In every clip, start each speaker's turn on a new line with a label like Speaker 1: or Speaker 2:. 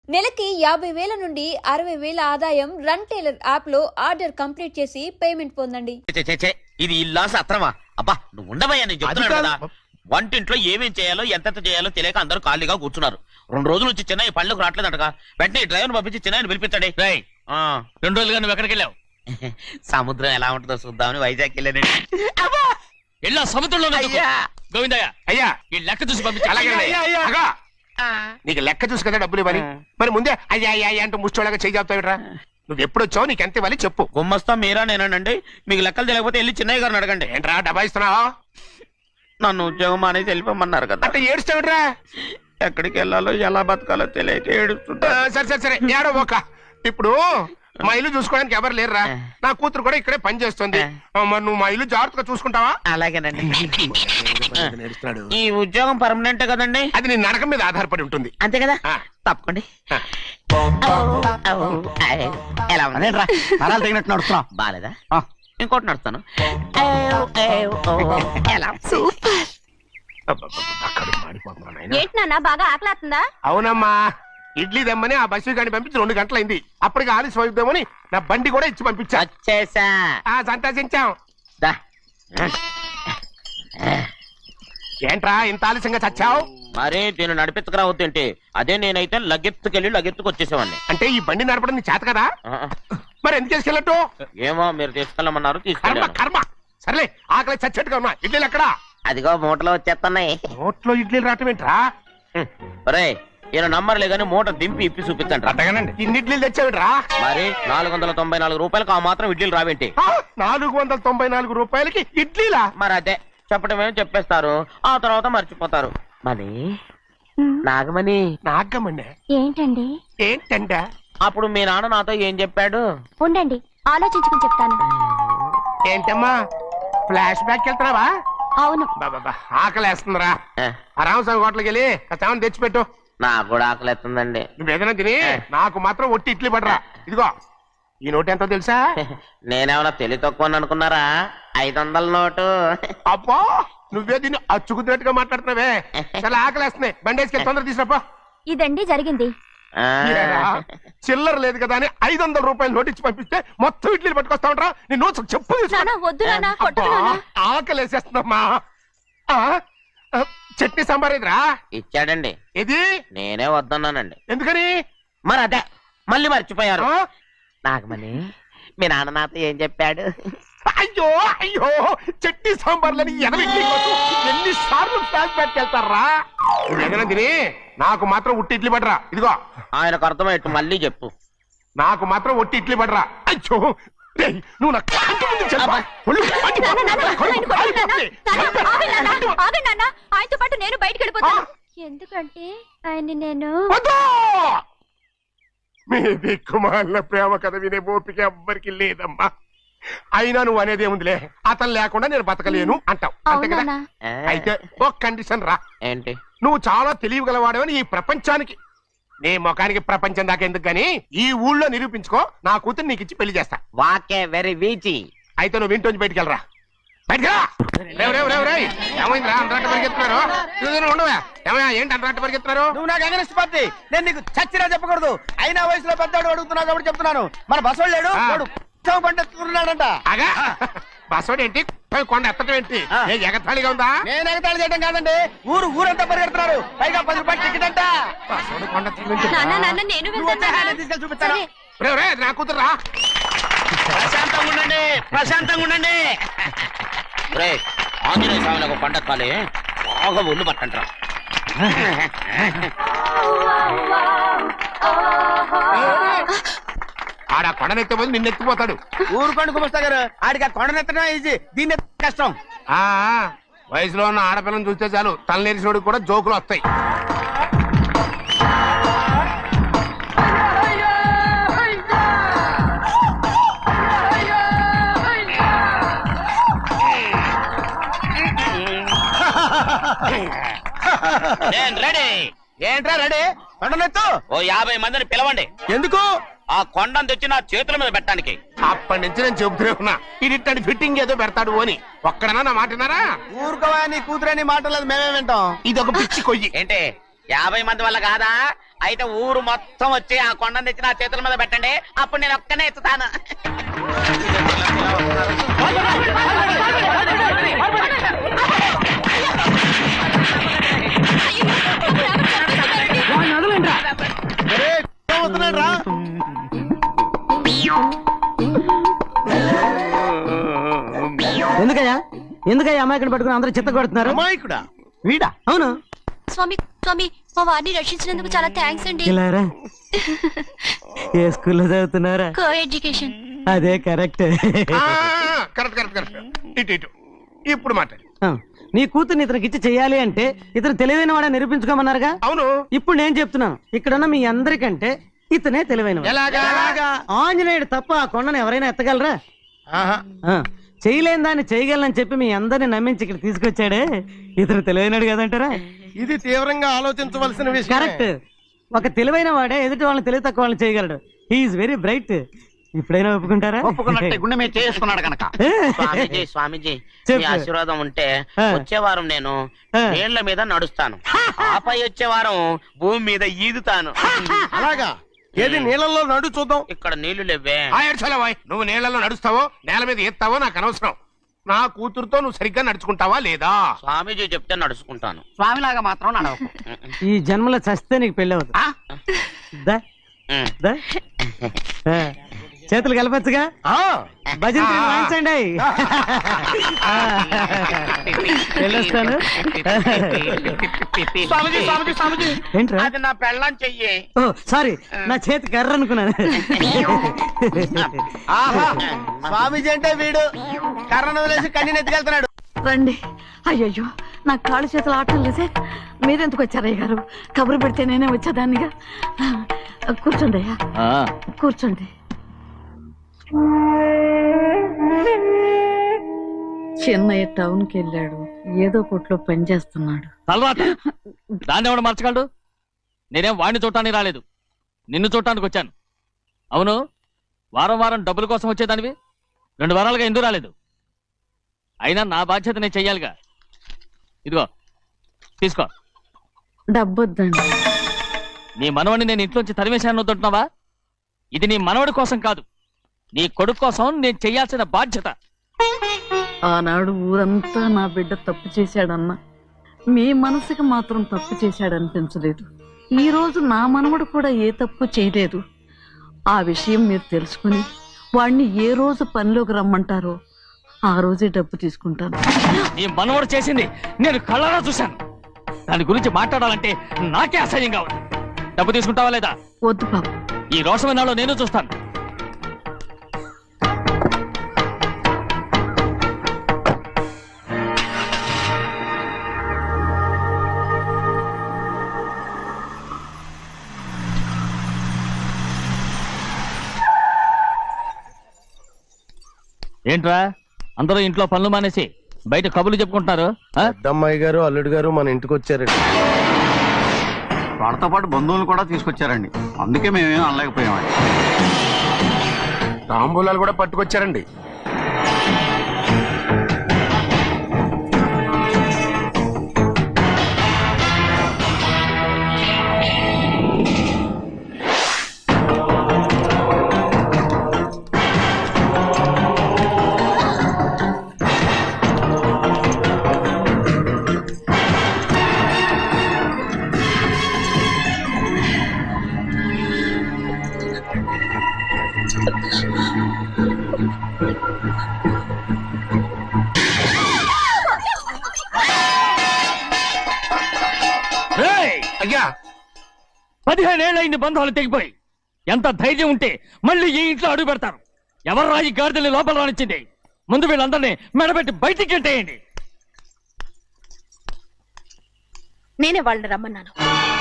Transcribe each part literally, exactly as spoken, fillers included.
Speaker 1: నెలకి యాభై వేల నుండి అరవై వేల ఆదాయం రన్ టైలర్ యాప్ లో ఆర్డర్ కంప్లీట్ చేసి పేమెంట్ పొందండి.
Speaker 2: ఇది ఇల్లా సత్రమా? అబ్బా నువ్వు ఉండవయ్యా, నేను చెప్తున్నాను కదా. వంటింట్లో ఏమేం చేయాలో ఎంతెంత చేయాలో తెలియక అందరూ ఖాళీగా కూర్చున్నారు. రెండు రోజుల నుంచి చిన్న పళ్ళకు రావట్లేదంటగా. వెంటనే డ్రైవర్ పంపించి చిన్న పిలిపించండి.
Speaker 3: రెండు రోజులుగా నువ్వు ఎక్కడికి వెళ్ళావు?
Speaker 2: సముద్రం ఎలా ఉంటుందో చూద్దామని వైజాగ్ వెళ్ళానండి.
Speaker 3: వెళ్ళా సముద్రంలో గోవిందయ్య
Speaker 4: అయ్యా
Speaker 3: ఈ లెక్క చూసి పంపించా.
Speaker 4: నీకు లెక్క చూసి కదా డబ్బులు ఇవ్వాలి. మరి ముందే అయ్యా అయ్యా అంటూ ముష్టోళ్ళగా చేయి చెప్తావిట్రా. నువ్వు ఎప్పుడు వచ్చావు, నీకు ఎంత ఇవ్వాలి చెప్పు.
Speaker 2: గుమ్మస్తా మీరా నేనండి. మీకు లెక్కలు తెలియకపోతే వెళ్ళి చిన్నయ్య గారిని అడగండి.
Speaker 4: ఏంట్రా డబ్బా ఇస్తున్నావా?
Speaker 2: నన్ను ఉద్యోగం అనేది వెళ్ళిపోమన్నారు కదా.
Speaker 4: అంటే ఏడుస్తావిట్రా.
Speaker 2: ఎక్కడికి వెళ్ళాలో ఎలా బతకాలో తెలియక ఏడుస్తుంటా.
Speaker 4: సరే సరే సరే ఏడో ఒక. ఇప్పుడు మా ఇల్లు చూసుకోవడానికి ఎవరు లేరురా. నా కూతురు కూడా ఇక్కడే పని చేస్తుంది. మరి నువ్వు మా ఇల్లు జాగ్రత్తగా చూసుకుంటావా?
Speaker 2: అలాగేనండి. ఈ ఉద్యోగం పర్మనెంట్ కదండి?
Speaker 4: అది నీ నరకం మీద ఆధారపడి ఉంటుంది.
Speaker 2: అంతే కదా, తప్పకండి. ఎలా
Speaker 3: అదేంట్రా నరాలు తగినట్టు నడుస్తున్నావు?
Speaker 2: బాలేదా? ఇంకోటి నడుస్తాను.
Speaker 1: ఏంటి నాన్న బాగా ఆకలేస్తుందా?
Speaker 4: అవునమ్మా, ఇడ్లీ దమ్మని ఆ బస్సు గాని పంపించి రెండు గంటలైంది. అప్పటికి ఆలస్యం అవుతామని నా బండి కూడా ఇచ్చి పంపించా.
Speaker 2: వచ్చేసా.
Speaker 4: సంతోషించాం. ఏంట్రా ఇంత ఆలస్యంగా చచ్చావు?
Speaker 2: మరి దీన్ని నడిపించకరావద్దేంటి? అదే నేనైతే లగెత్తుకెళ్ళి లగెత్తుకు వచ్చేసేవాడిని.
Speaker 4: అంటే ఈ బండి నడపడం నీ చేత కదా? మరి ఎందుకు తీసుకెళ్ళట్టు?
Speaker 2: ఏమో మీరు తీసుకెళ్ళమన్నారు,
Speaker 4: కర్మ
Speaker 2: తీసుకెళ్ళాను.
Speaker 4: కర్మ. సర్లే ఆకలి చచ్చేట్టుగా ఉన్నా. ఇడ్లీలు ఎక్కడా?
Speaker 2: అదిగో మూటలో వచ్చేస్తున్నాయి.
Speaker 4: నోట్లో ఇడ్లీలు రావటం ఏంట్రా?
Speaker 2: ఒరే ఈయన నంబర్లే గానీ మూట దింపి ఇప్పి చూపించండి.
Speaker 4: అట్టగానండి. ఇన్ని ఇడ్లీలు తెచ్చావిడ్రా?
Speaker 2: మరి నాలుగు వందల తొంభై నాలుగు రూపాయలకు ఆ మాత్రం ఇడ్లీలు రావేంటి?
Speaker 4: నాలుగు వందల తొంభై నాలుగు రూపాయలకి ఇడ్లీలా?
Speaker 2: మరి అదే చెప్పడమే చెప్పేస్తారు, ఆ తర్వాత మర్చిపోతారు. మరి నాగమణి
Speaker 4: నాగమణి
Speaker 1: ఏంటండి?
Speaker 4: ఏంటంట?
Speaker 2: అప్పుడు మీ నాన్న నాతో ఏం చెప్పాడు?
Speaker 1: ఉండండి ఆలోచించుకుని చెప్తాను.
Speaker 4: ఏంటమ్మా ఫ్లాష్ బ్యాక్ వెళ్తున్నావా?
Speaker 1: అవును.
Speaker 4: బాబా ఆకలి వేస్తుందిరా. ఆ రామస్వామి హోటల్కి వెళ్ళి కాస్త తెచ్చిపెట్టు.
Speaker 2: నాకు కూడా ఆకలి ఎత్తుందండి.
Speaker 4: నువ్వు ఏదైనా తిని నాకు మాత్రం ఒట్టి ఇడ్లీ పడరా. ఇదిగో ఈ నోటు ఎంతో తెలుసా?
Speaker 2: నేనేమన్నా తెలివి తక్కువ అనుకున్నారా? ఐదు వందల నోటు.
Speaker 4: అబ్బో నువ్వే దీన్ని అచ్చుకుతున్నట్టుగా మాట్లాడుతున్నావే. చాలా ఆకలి వేస్తున్నాయి. బండి వేసుకెళ్ళి తొందర తీసుకురాపో.
Speaker 1: ఇదండి జరిగింది.
Speaker 4: చిల్లర లేదు కదా అని ఐదు వందల రూపాయలు నోటు ఇచ్చి పంపిస్తే మొత్తం ఇడ్లీలు పట్టుకొస్తా ఉంటా. నీ నోట్స్ చెప్పు. ఆకలి వేసేస్తుందమ్మా. చట్నీ సాంబార్ ఇదిరా.
Speaker 2: ఇచ్చాడండి.
Speaker 4: ఇది
Speaker 2: నేనే వద్దన్నానండి.
Speaker 4: ఎందుకని?
Speaker 2: మరి అదే మళ్ళీ మర్చిపోయారు. నాగమణి మీ నాన్న నాతో ఏం చెప్పాడు?
Speaker 4: అయ్యో అయ్యో చట్నీ సాంబార్లని ఎన్ని సార్లు ఫ్లాష్ బ్యాక్ వెళ్తారా? ఏదైనా తిని నాకు మాత్రం ఉట్టి ఇడ్లీ పడరా. ఇదిగో
Speaker 2: ఆయనకు అర్థమయ్యట్టు మళ్ళీ చెప్పు.
Speaker 4: నాకు మాత్రం ఒట్టి ఇడ్లీ పడరా. అయ్యో నువ్వు నా
Speaker 1: ఆయనతో పాటు నేను బయటకు వెళ్ళిపోతాను. ఎందుకంటే ఆయన నేను
Speaker 4: మీ దిక్కుమాలిన ప్రేమ కథ వినే ఓపిక ఎవ్వరికి లేదమ్మా. అయినా నువ్వు అనేదేముందిలే, అతను లేకుండా నేను బతకలేను అంటావు అంతే కదా? అయితే ఒక కండిషన్ రా.
Speaker 2: ఏంటి?
Speaker 4: నువ్వు చాలా తెలియగలవాడవని ఈ ప్రపంచానికి, నీ ముఖానికి ప్రపంచం దాకా ఎందుకు గాని ఈ ఊళ్ళో నిరూపించుకో. నా కూతురు నీకు ఇచ్చి పెళ్లి చేస్తా.
Speaker 2: వాకే వెరీ వీచి.
Speaker 4: అయితే నువ్వు ఇంటి బయటికి వెళ్ళరా. బయటకెళ్ళరా. ఏమైందిరా అంతరాట పరిగెత్తున్నారు? ఉండవా ఏమయ్యా? ఏంటి అంతరాట పరిగెత్తున్నారు?
Speaker 3: నువ్వు నాకు అగనిస్ట్ పార్టీ. నేను నీకు చచ్చినా చెప్పకూడదు. అయినా వయసులో పెద్దవాడు అడుగుతున్నావు కాబట్టి చెప్తున్నాను. మన బసోడు లేడు పండుతున్నాడంట.
Speaker 4: అగా బసోడు ఏంటి? కొండ ఎత్తడం ఏంటి? ఎగతాళిగా ఉందా?
Speaker 3: నేను ఎగతాళి చేయడం కాదండి, ఊరు ఊరంతా పరిగెడుతున్నారు. పైగా పది రూపాయలు టికెట్ అంట.
Speaker 4: బసోడు కొండ
Speaker 3: తీసుకెళ్ళి చూపిస్తాను.
Speaker 4: నా కూతురు రా.
Speaker 2: ప్రశాంతంగా ఉండండి, ప్రశాంతంగా ఉండండి. ఆంజనేయ స్వామికి పండగ కాలే బాగా ఒళ్ళు పట్టంటారా.
Speaker 4: ఆడ కొండనెత్తపోతే నిన్నెత్తిపోతాడు.
Speaker 3: ఊరు కొండ కుమస్తా గారు ఆడికి ఆ కొండనెత్తడం ఈజీ, దీన్ని కష్టం.
Speaker 4: ఆ వయసులో ఉన్న ఆడపిల్లని చూస్తే చాలు తలనేరిసినోడికి కూడా జోకులు వస్తాయి.
Speaker 2: రెడీ.
Speaker 3: ఏంట్రా రెడీ? కొండనెత్తు.
Speaker 2: ఓ యాభై మందిని పిలవండి.
Speaker 3: ఎందుకు?
Speaker 2: ఆ కొండను తెచ్చి నా చేతుల మీద పెట్టడానికి.
Speaker 4: అప్పటి నుంచి నేను చెబుతూనే ఉన్నా ఇది ఫిట్టింగ్ ఏదో పెడతాడు అని. ఒక్కడనా నా మాటనారా?
Speaker 3: ఊరుకోవా, నీ కూతురని మాటలేదు మేమే వింటాం.
Speaker 4: ఇది ఒక పిచ్చి కొయ్యి.
Speaker 2: ఏంటి యాభై మంది వల్ల కాదా? అయితే ఊరు మొత్తం వచ్చి ఆ కొండను తెచ్చి నా చేతుల మీద పెట్టండి, అప్పుడు నేను ఒక్కనే ఎత్తుతాను.
Speaker 5: ఎందుకయ్యా ఎందుకయ్యా అమాయకుని పట్టుకుని అందరూ చిత్త కొడుతున్నారు?
Speaker 3: అమాయకుడా?
Speaker 5: వీడా? అవును.
Speaker 6: స్వామి స్వామి మా వారిని రక్షించినందుకు చాలా థ్యాంక్స్ అండి.
Speaker 5: ఇలారా ఏ స్కూల్లో చదువుతున్నారా?
Speaker 6: Co education.
Speaker 5: అదే కరెక్ట్.
Speaker 4: Correct correct correct. ఇటు ఇటు ఇప్పుడు మాట్లాడు.
Speaker 5: నీ కూతుర్ని ఇతనికి ఇచ్చి చెయ్యాలి అంటే ఇతను తెలివైన వాడే నిరూపించుకోమన్నారుగా.
Speaker 4: అవును.
Speaker 5: ఇప్పుడు నేను చెప్తున్నాను, ఇక్కడున్న మీ అందరికంటే ఇతనే తెలివైన. ఆంజనేయుడు తప్ప ఆ కొండను ఎవరైనా ఎత్తగలరా? ఆ, చేయలేని దాన్ని చేయగలనని చెప్పి మీ అందరిని నమ్మించి ఇక్కడ తీసుకొచ్చాడే ఇతను తెలివైనడు కదంటారా?
Speaker 3: ఇది తీవ్రంగా ఆలోచించవలసిన విషయం.
Speaker 5: కరెక్ట్. ఒక తెలివైన వాడే ఎదుటి వాళ్ళని తెలివి తక్కువ వాళ్ళని చేయగలడు. He's very bright. ఇప్పుడైనా ఒప్పుకుంటారా?
Speaker 3: ఒప్పుకున్నట్టే గుండె మీద చేసుకున్నాడు కనుక.
Speaker 2: స్వామీజీ స్వామీజీ
Speaker 5: చెప్పు.
Speaker 2: మీ ఆశీర్వాదం ఉంటే
Speaker 5: ఆ.
Speaker 2: వచ్చే వారం నేను
Speaker 5: ఆ.
Speaker 2: నీళ్ల మీద నడుస్తాను, ఆపై వచ్చే వారం భూమి మీద ఈదుతాను.
Speaker 3: అలాగా? ఏది నీళ్ళల్లో నడు చూద్దాం.
Speaker 2: ఇక్కడ నీళ్లు లేవే.
Speaker 4: ఆ ఏడ్చలేవాయ్, నువ్వు నీళ్లలో నడుస్తావో నేల మీద ఎత్తావో నాకు అనవసరం. నా కూతురుతో నువ్వు సరిగ్గా నడుచుకుంటావా లేదా?
Speaker 2: స్వామీజీ చెప్తే నడుచుకుంటాను.
Speaker 3: స్వామిలాగా మాత్రం నడవకు.
Speaker 5: ఈ జన్మలో చస్తే నీకు పెళ్ళి అవుతుంది. దా,
Speaker 2: ఉమ్.
Speaker 5: దా. ఆ, చేతులు కలపచ్చుగా. భజన తీరు వాయించండి. ఆ, వెళ్ళొస్తాను.
Speaker 2: స్వామీజీ స్వామీజీ స్వామీజీ
Speaker 5: ఏంట్రా?
Speaker 2: అది నా పెళ్ళం చెయ్యి.
Speaker 5: ఓ సారీ, నా చేతి కర్ర అనుకున్నాను.
Speaker 3: ఆహా, స్వామీజీ అంటే వీడు కర్రను వదిలేసి కన్నీని ఎత్తుకెళ్తున్నాడు.
Speaker 7: రండి. అయ్యయ్యో నా కాళ్ళు చేతులు ఆటలు లేసే. మీరెందుకు వచ్చారయ్య గారు? కబురు పెడితే నేనే వచ్చేదాన్నిగా. కూర్చోండి అయ్యా, కూర్చోండి. చిన్నయ్య టౌన్ కి వెళ్ళాడు, ఏదో కొట్లో పని చేస్తున్నాడు.
Speaker 8: తలరాత దాన్ని ఎవడు మర్చగలడు? నేనేం వాడిని చూడటానికి రాలేదు, నిన్ను చూడటానికి వచ్చాను. అవును, వారం వారం డబ్బుల కోసం వచ్చేదానివి రెండు వారాలుగా ఎందుకు రాలేదు? అయినా నా బాధ్యత నేను చెయ్యాలిగా. ఇదిగో తీసుకో.
Speaker 7: డబ్బొద్దండి.
Speaker 8: నీ మనవడిని నేను ఇంట్లోంచి తరిమేశాను వద్దంటున్నావా? ఇది నీ మనవడి కోసం కాదు, నీ కొడుకు కోసం నేను చెయ్యాల్సిన బాధ్యత.
Speaker 7: ఆనాడు ఊరంతా నా బిడ్డ తప్పు చేశాడన్నా, మీ మనసుకి మాత్రం తప్పు చేశాడనిపించలేదు. ఈ రోజు నా మనవడు కూడా ఏ తప్పు చేయలేదు. ఆ విషయం మీరు తెలుసుకుని వాడిని ఏ రోజు పనిలోకి రమ్మంటారో ఆ రోజే డబ్బు తీసుకుంటాను.
Speaker 8: నీ మనవడు చేసింది నేను కళ్ళారా చూశాను. దాని గురించి మాట్లాడాలంటే నాకే అసహ్యంగా ఉంది. డబ్బు తీసుకుంటావా లేదా?
Speaker 7: వద్దు బాబు.
Speaker 8: ఈ రోషమైన నాలో నేను చూస్తాను. ఏంట్రా అందరూ ఇంట్లో పనులు మానేసి బయట కబుర్లు చెప్పుకుంటున్నారు? ఆ?
Speaker 3: పెద్దమ్మాయి గారు అల్లుడు గారు మన ఇంటికి వచ్చారండి.
Speaker 9: వాళ్ళతో పాటు బంధువులు కూడా తీసుకొచ్చారండి, అందుకే మేమేం అనలేకపోయామండి.
Speaker 4: తాంబూలాలు కూడా పట్టుకొచ్చారండి.
Speaker 8: రేయ్!
Speaker 4: అయ్యా,
Speaker 8: పదిహేనేళ్ళైంది బంధాలు తెగిపోయి. ఎంత ధైర్యం ఉంటే మళ్ళీ ఈ ఇంట్లో అడుగు పెడతారు? ఎవరు రాయి గాడిదల్ని లోపల రానిచ్చింది? ముందు వీళ్ళందరినీ మెడబెట్టి బయటికి గెంటేయండి.
Speaker 6: నేనే వాళ్ళని రమ్మన్నాను.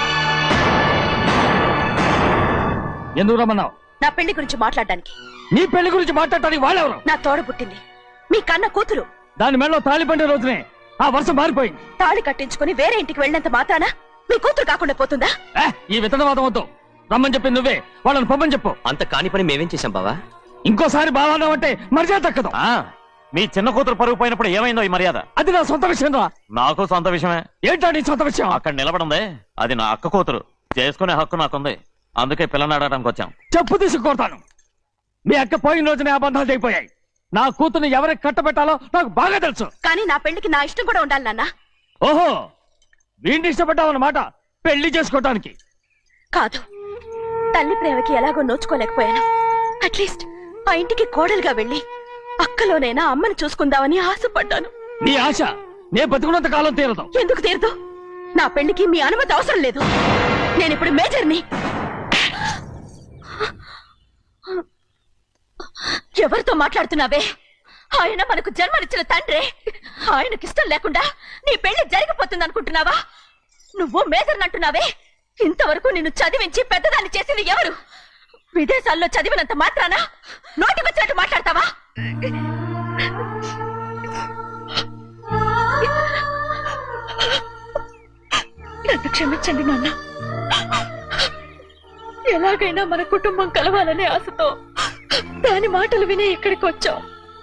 Speaker 8: ఎందుకు రమ్మన్నావు?
Speaker 6: నా పెళ్లి గురించి మాట్లాడడానికి.
Speaker 8: నీ పెళ్లి గురించి మాట్లాడటానికి వాళ్ళెవరు?
Speaker 6: నా తోడ పుట్టింది మీ కన్న కూతురు.
Speaker 8: దాని మెడలో తాళి పండే రోజునే ఆ వర్షం మారిపోయింది.
Speaker 6: తాళి కట్టించుకుని వేరే ఇంటికి వెళ్ళినంత మాత్రాన మీ కూతురు కాకుండా పోతుందా?
Speaker 8: ఏ, ఈ విత్తనవాదం వద్దు. రమ్మని చెప్పి నువ్వే వాళ్ళని పంపని చెప్పు.
Speaker 10: అంత కాని పని మేమేం చేశాం బావా?
Speaker 8: ఇంకోసారి బాగా అంటే మర్యాద తక్కదు.
Speaker 10: మీ చిన్న కూతురు పరుగు పోయినప్పుడు ఏమైందో ఈ మర్యాద?
Speaker 8: అది నా సొంత విషయం రా.
Speaker 10: నాకు సొంత విషయమే.
Speaker 8: ఏంటో నీ సొంత విషయం?
Speaker 10: అక్కడ నిలబడిందే అది నా అక్క కూతురు. చేసుకునే హక్కు నాకుంది, అందుకే పిల్లని అడగడానికి వచ్చాం.
Speaker 8: చెప్పు తీసుకొడతాను. మీ అక్క పోయిన రోజునే అబద్ధాలు అయిపోయాయి. నా కూతుర్ని ఎవరికి కట్టబెట్టాలో నాకు బాగా తెలుసు.
Speaker 6: కానీ నా పెళ్లికి నా ఇష్టం కూడా ఉండాలి నాన్న.
Speaker 8: ఓహో, వీడిని ఇష్టపడ్డావన్నమాట పెళ్లి చేసుకోవటానికి.
Speaker 6: కాదు, తల్లి ప్రేమకి ఎలాగో నోచుకోలేకపోయాను. అట్లీస్ట్ ఆ ఇంటికి కోడలుగా వెళ్ళి అక్కలోనైనా అమ్మని చూసుకుందామని ఆశపడ్డాను.
Speaker 8: నీ ఆశ నే బతుకున్నంత కాలం తీరదు.
Speaker 6: ఎందుకు తీరదు? నా పెళ్లికి మీ అనుమతి అవసరం లేదు. నేను ఇప్పుడు మేజర్ని. ఎవరితో మాట్లాడుతున్నావే? ఆయన మనకు జన్మనిచ్చిన తండ్రి. ఆయనకిష్టం లేకుండా నీ పెళ్లి జరిగిపోతుంది అనుకుంటున్నావా? నువ్వు మేజర్ని అంటున్నావే. ఇంతవరకు నిన్ను చదివించి పెద్దదాన్ని చేసింది ఎవరు? విదేశాల్లో చదివినంత మాత్రాన నోటికొచ్చినట్టు మాట్లాడతావా? నన్ను క్షమించండి నాన్న. ఎలాగైనా మన కుటుంబం కలవాలనే ఆశతో దాని మాటలు వినే ఇక్కడికి వచ్చాం.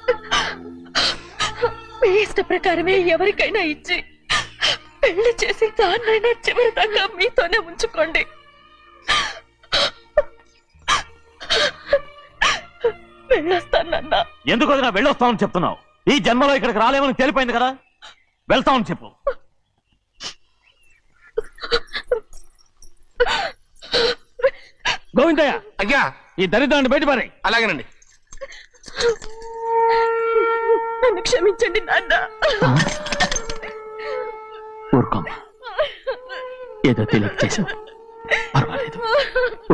Speaker 6: మీ ఇష్ట ప్రకారమే ఎవరికైనా ఇచ్చి పెళ్లి చేసి దాన్నైనా చివరి దాకా మీతోనే ఉంచుకోండి. వెళ్ళొస్తానన్నా.
Speaker 10: ఎందుకు వదినా వెళ్ళొస్తామని చెప్తున్నావు? ఈ జన్మలో ఇక్కడికి రాలేమని తెలిపోయింది కదా, వెళ్తామని చెప్పు.
Speaker 8: గోవిందయ్య,
Speaker 4: అయ్యా
Speaker 8: ఈ దరిద్రాన్ని బయటపడే.
Speaker 4: అలాగేనండి.
Speaker 6: నన్ను క్షమించండి నాన్న.
Speaker 8: ఊరుకోమ్మా, ఏదో తెలియక చేసావు, పర్వాలేదు.